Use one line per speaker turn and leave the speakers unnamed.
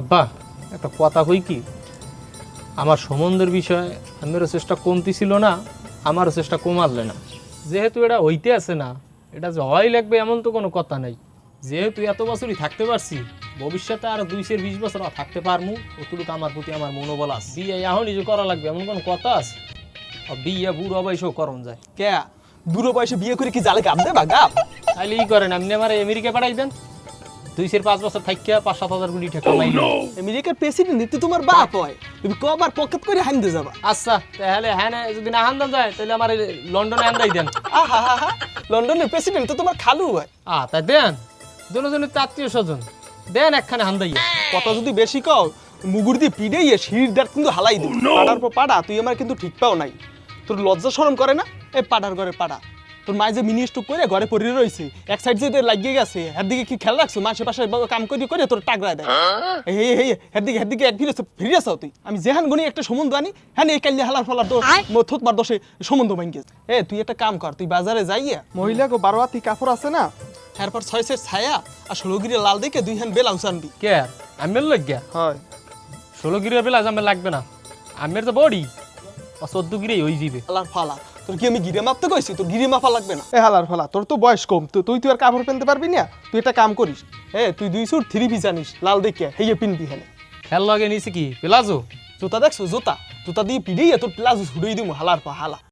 আব্বা একটা কথা কই কি, আমার সম্বন্ধের বিষয়ে আমিরও চেষ্টা কমতি ছিল না, আমারও চেষ্টা কমালে না। যেহেতু এটা হইতে আছে না, এটা যে হয় লাগবে এমন তো কোনো কথা নাই। যেহেতু এত বছরই থাকতে পারছি, ভবিষ্যতে আরো 220 বছর থাকতে পারমু, অতটুকু আমার প্রতি আমার মনোবল আছে। বিয়ে এখনই যে করা লাগবে এমন কোনো কথা আছে? বিয়ে বুড়ো বয়সেও করণ যায়।
কে বুড়ো বয়সে বিয়ে করে কি জালে গাপ দেবা গাপ?
তাইলে ই করেন, আপনি আমার আমেরিকা পাঠাই দেন, 2-5 বছর থাকিয়া 5-7 হাজার কোটি টাকা কামাইল।
আমেরিকার প্রেসিডেন্ট তো তোমার বাপ হয়, তুমি কবার পকেট করে হাইন্দে যাবা?
আচ্ছা তাহলে হ্যাঁ যদি না হান্দান যায় তাহলে আমার লন্ডনে হান্দাই দেন।
আহা হা হা, লন্ডনের প্রেসিডেন্ট তো তোমার খালু হয়।
তাই দেন, দুজনের আত্মীয় স্বজন দেন একখানে হান্দাইয়া।
কথা যদি বেশি কও মুগুর দিয়ে পিড়াইয়ে শির দাঁত কিন্তু হালাই দিই। পাড়ার পর পাড়া, তুই আমার কিন্তু ঠিক পাও নাই। তোর লজ্জা শরম করে না? এই পাড়ার ঘরে পাড়া, তোর মায়ে যে মিনি স্টক করে ঘরে পড়ে রয়েছে, এক সাইড যে লাগিয়ে গেছে, এর দিকে কি খেয়াল রাখছো? মাসে পাশে কাম করে করে তোর টাকরায় দেয়। এই এর দিকে এক ফিরে আসাও তুই। আমি যেহান গনি একটা সম্বন্ধ আনি, হ্যাঁ এই কাল্লি হালার ফলার থোতমার দোষে সম্বন্ধ ভাঙ্গে। তুই একটা কাম কর, তুই বাজারে যাইয়া মহিলা গো 12 হাতি কাপড় আছে না, এরপর 6 সেট ছায়া আর 16 গিরে লাল দেখে 2 হ্যান্ড বেলাউস আনবি।
কে আমি লাগিয়া?
হয়
16 গিরের বেলা আমার লাগবে না, আমের তো বডি 14 গিরেই হয়ে যাবে।
হালার ফালা, তোর কি আমি গিরে মাপতে কইছি? তোর গিরে মাপা লাগবে না। হালার ফালা, তোর তো বয়স কম, তুই আর কাপড় পেনতে পারবি না। তুই একটা কাম করিস, তুই 2 সুট 3 পিস আনিস লাল দেখে, হেয়ে পিনবি। হ্যাঁ
খেল লগে নিছি কি প্লাজো?
জুতা দেখছো? জুতা দিয়ে পিড়েই তোর প্লাজো ছুড়েই দিব। হালার পা হালা।